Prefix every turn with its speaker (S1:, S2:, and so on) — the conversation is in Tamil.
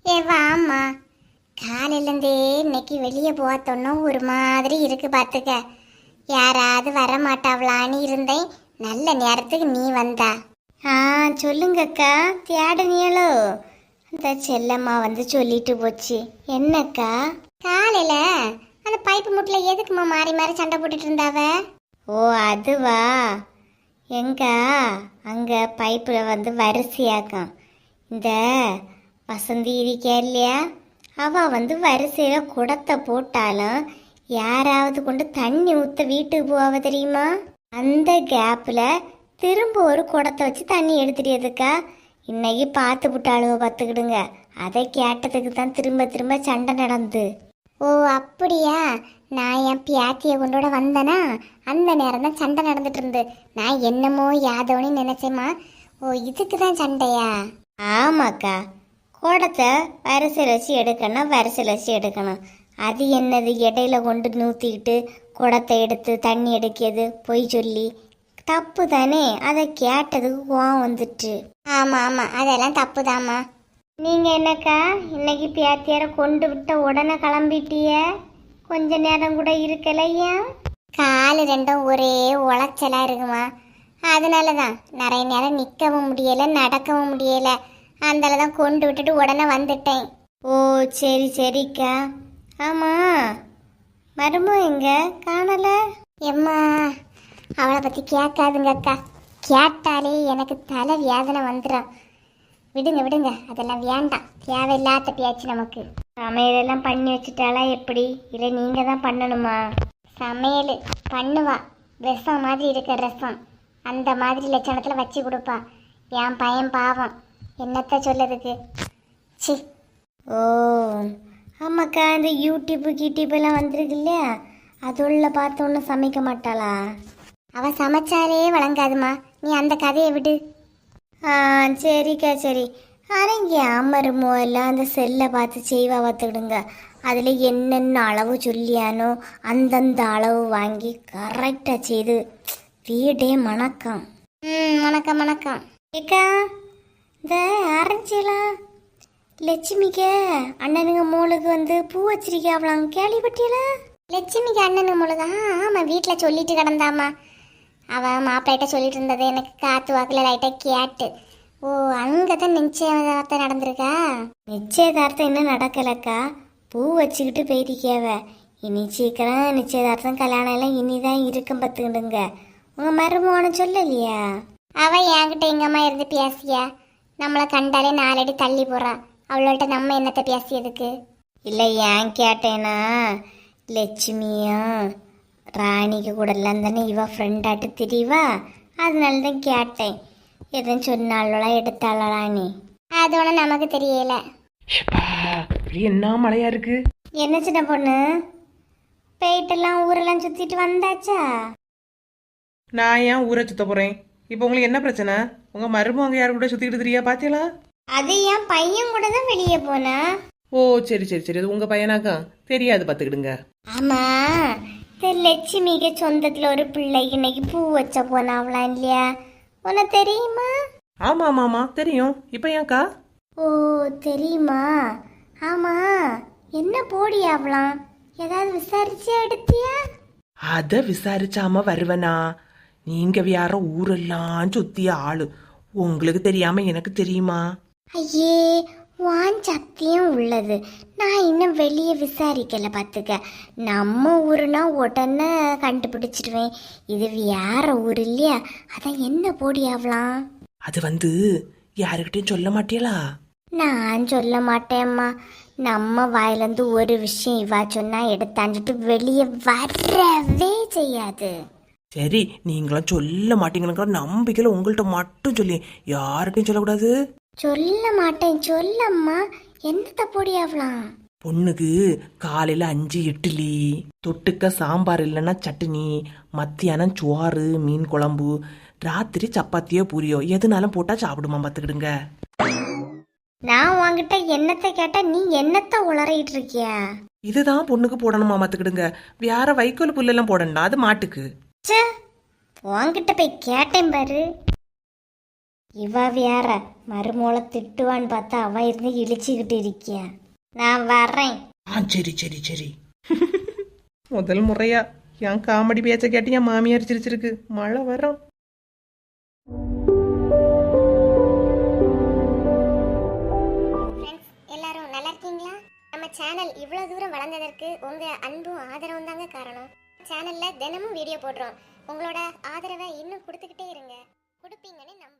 S1: ஏ வாம்மா, காலையிலேருந்தே இன்னைக்கு வெளியே போத்தோன்னா ஒரு மாதிரி இருக்கு பார்த்துக்க. யாராவது வர மாட்டாவளான்னு இருந்தேன். நல்ல நேரத்துக்கு நீ வந்தா. ஆ சொல்லுங்கக்கா, தேடனியளோ? அந்த செல்லம்மா வந்து சொல்லிட்டு போச்சு. என்னக்கா? காலையில அந்த பைப்பு முட்டில் எதுக்குமா மாறி மாறி சண்டை போட்டுட்டு இருந்தாவ? ஓ அதுவா? எங்க அங்க பைப்புல வந்து வரிசையாக்கம். இந்த வசந்தி இருக்கா இல்லையா, அவ வந்து வரிசையில குடத்தை போட்டாலும் யாராவது கொண்டு தண்ணி ஊத்த வீட்டுக்கு போவ தெரியுமா? அந்த கேப்ல திரும்ப ஒரு குடத்தை வச்சு தண்ணி எடுத்துடியதுக்கா. இன்னைக்கு பார்த்து விட்டாளுவ பார்த்துக்கிடுங்க. அதை கேட்டதுக்கு தான் திரும்ப திரும்ப சண்டை நடந்து. ஓ அப்படியா? நான் என் பியாத்தியை கொண்டோட வந்தேனா அந்த நேரம் தான் சண்டை நடந்துட்டு இருந்து. நான் என்னமோ யாதவனு நினைச்சேம்மா. ஓ இதுக்கு தான் சண்டையா? ஆமாக்கா, குடத்தை வரிசையில் வச்சு எடுக்கணும், வரிசையில் வச்சு எடுக்கணும். அது என்னது இடையில கொண்டு நூற்றிக்கிட்டு குடத்தை எடுத்து தண்ணி எடுக்கிறது பொய் சொல்லி தப்பு தானே? அதை கேட்டதுக்கு கோவம் வந்துட்டு. ஆமாம் ஆமாம், அதெல்லாம் தப்பு தாம்மா. நீங்கள் என்னக்கா இன்னைக்கு பேத்தியார கொண்டு விட்ட உடனே கிளம்பிட்டிய? கொஞ்ச நேரம் கூட இருக்கலையா? காலு ரெண்டும் ஒரே உளைச்சலாக இருக்குமா, அதனால தான் நிறைய நேரம் நிற்கவும் முடியலை, நடக்கவும் முடியலை. அந்தால தான் கொண்டு விட்டுட்டு உடனே வந்துட்டேன். ஓ சரி சரிக்கா. ஆமாம், மருமோ எங்க காணலை? எம்மா அவளை பற்றி கேட்காதுங்க அக்கா. கேட்டாலே எனக்கு தலை வேதனை வந்துடும். விடுங்க விடுங்க, அதெல்லாம் வேண்டாம். தேவையில்லாத பேச்சு நமக்கு. சமையலெல்லாம் பண்ணி வச்சுட்டாளா எப்படி? இல்லை நீங்கள் தான் பண்ணணுமா? சமையல் பண்ணுவா, ரசம் மாதிரி இருக்க ரசம் அந்த மாதிரி லட்சணத்தில் வச்சு கொடுப்பா. என் பையன் பாவம், என்னத்த சொல்லதுக்கு. சி. ஓ ஆமாக்கா, இந்த யூடியூப் எல்லாம் வந்திருக்கு இல்லையா, அதுள்ள பார்த்து ஒன்றும் சமைக்க மாட்டாளா? அவள் சமைச்சாலே வழங்காதுமா, நீ அந்த கதையை விடு. ஆ சரிக்கா சரி. அரங்க அம்மருமோ எல்லாம் அந்த செல்லை பார்த்து செய்வா பார்த்துக்கிடுங்க. அதில் என்னென்ன அளவு சொல்லியானோ அந்தந்த அளவு வாங்கி கரெக்டாக செய்து வீடே மணக்கம். வணக்கம் வணக்கம். ஏக்கா, இந்த ஆரஞ்சிலாம் லட்சுமிக்க அண்ணனுங்க மோளுக்கு வந்து பூ வச்சிருக்காவலாம், கேள்விப்பட்டியல? லட்சுமிக்கு அண்ணனுங்க மோளுக்கு? ஆமாம், வீட்டில் சொல்லிட்டு கிடந்தாமா. அவன் மாப்பிள்ளைகிட்ட சொல்லிட்டு இருந்தது எனக்கு காற்று வாக்கில் லைட்டாக கேட்டு. ஓ அங்கே தான் நிச்சயதார்த்தம் நடந்திருக்கா? நிச்சயதார்த்தம் இன்னும் நடக்கலக்கா, பூ வச்சுக்கிட்டு போயிருக்கேவ. இனி சீக்கிரம் நிச்சயதார்த்தம் கல்யாணம் எல்லாம் இனிதான் இருக்கும் பார்த்துக்கிடுங்க. உங்கள் மருமகனை சொல்லலையா? அவள் என்கிட்ட எங்கம்மா இருந்து பேசியா? நம்மளை கண்டாலே 4 அடி தள்ளி போறா. அவளோட நம்ம என்னத்தை பேசியதுக்கு? இல்லை ஏன் கேட்டேன்னா, லட்சுமியும் ராணிக்கு கூட எல்லாம் தானே இவ ஃப்ரெண்டாட்டு தெரியவா, அதனால தான் கேட்டேன். எதுவும் சொன்னாலாம் எடுத்தாளா நீ? அது ஒன்றும் நமக்கு தெரியல.
S2: என்ன மழையா இருக்கு?
S1: என்ன சின்ன பொண்ணு, போயிட்டெல்லாம் ஊரெல்லாம் சுத்திட்டு வந்தாச்சா?
S2: நான் ஏன் ஊரை சுத்த போறேன்? இப்போ உங்களுக்கு என்ன பிரச்சனை? உங்க மருமக யாரு கூட சுத்திட்டு தெரியா பாத்தீங்களா?
S1: அது என் பையன் கூட தான் வெளியே போனா.
S2: ஓ சரி சரி சரி, அது உங்க பையனாக்கா? தெரியாது பாத்துக்கிடுங்க.
S1: ஆமா, லட்சுமிக்கு சொந்தத்துல ஒரு பிள்ளை இன்னைக்கு பூ வச்ச போனாவலாம் இல்லையா, உனக்கு தெரியுமா?
S2: ஆமா ஆமா ஆமா தெரியும். இப்ப ஏன்க்கா?
S1: ஓ தெரியுமா? ஆமா, என்ன போடியாவலாம்? ஏதாவது விசாரிச்சு எடுத்தியா?
S2: அத விசாரிச்சாம வருவனா? நீங்க வேற ஊரெல்லாம் சுத்திய ஆளு, உங்களுக்கு தெரியாம எனக்கு தெரியுமா?
S1: ஐயே, வான் சக்தியும் உள்ளது. நான் இன்னும் வெளியே விசாரிக்கல பார்த்துக்க. நம்ம ஊருனா உடனே கண்டுபிடிச்சிடுவேன். இது வேற ஊர் இல்லையா, அதான் என்ன போடியாவலாம்?
S2: அது வந்து யாருக்கிட்டையும் சொல்ல மாட்டியலா?
S1: நான் சொல்ல மாட்டேம்மா. நம்ம வாயிலேருந்து ஒரு விஷயம் இவா சொன்னா எடுத்தாஞ்சிட்டு வெளியே வரவே செய்யாது.
S2: சரி, நீங்களும் சொல்ல மாட்டீங்கிற நம்பிக்கையில உங்கள்கிட்ட மட்டும் சொல்லி யார்கிட்டையும் சொல்லக்கூடாது.
S1: சொல்ல மாட்டேன், சொல்லம்மா. என்னத்த போடியாவலாம்?
S2: பொண்ணுக்கு காலையில 5 இட்லி, தொட்டுக்க சாம்பார் இல்லைன்னா சட்னி, மத்தியானம் சோறு மீன் குழம்பு, ராத்திரி சப்பாத்தியோ பூரியோ எதுனாலும் போட்டா சாப்பிடுமா பார்த்துக்கிடுங்க.
S1: நான் உன்கிட்ட என்னத்தை கேட்டா நீ என்னத்த உளறிட்டு இருக்கியா?
S2: இதுதான் பொண்ணுக்கு போடணுமா பார்த்துக்கிடுங்க. வேற வைக்கோல் புல்லெல்லாம் போடணும், அது மாட்டுக்கு.
S1: உன்கிட்ட போய் கேட்டேன் பாரு. இவ வேற மருமோளை திட்டுவான்னு பார்த்தா அவ இருந்து இழிச்சுக்கிட்டு இருக்கியா. நான் வர்றேன்.
S2: சரி சரி சரி. முதல் முறையா என் காமெடி பேச்ச கேட்டு என் மாமியார் சிரிச்சிருக்கு. மழை வரும்.
S1: ஃப்ரெண்ட்ஸ் எல்லாரும் நல்லா இருக்கீங்களா? நம்ம சேனல் இவ்வளோ தூரம் வளர்ந்ததற்கு உங்கள் அன்பும் ஆதரவும் தாங்க காரணம். சேனலில் தினமும் வீடியோ போடுறோம். உங்களோட ஆதரவை இன்னும் கொடுத்துக்கிட்டே இருங்க. கொடுப்பீங்கன்னு நம்ப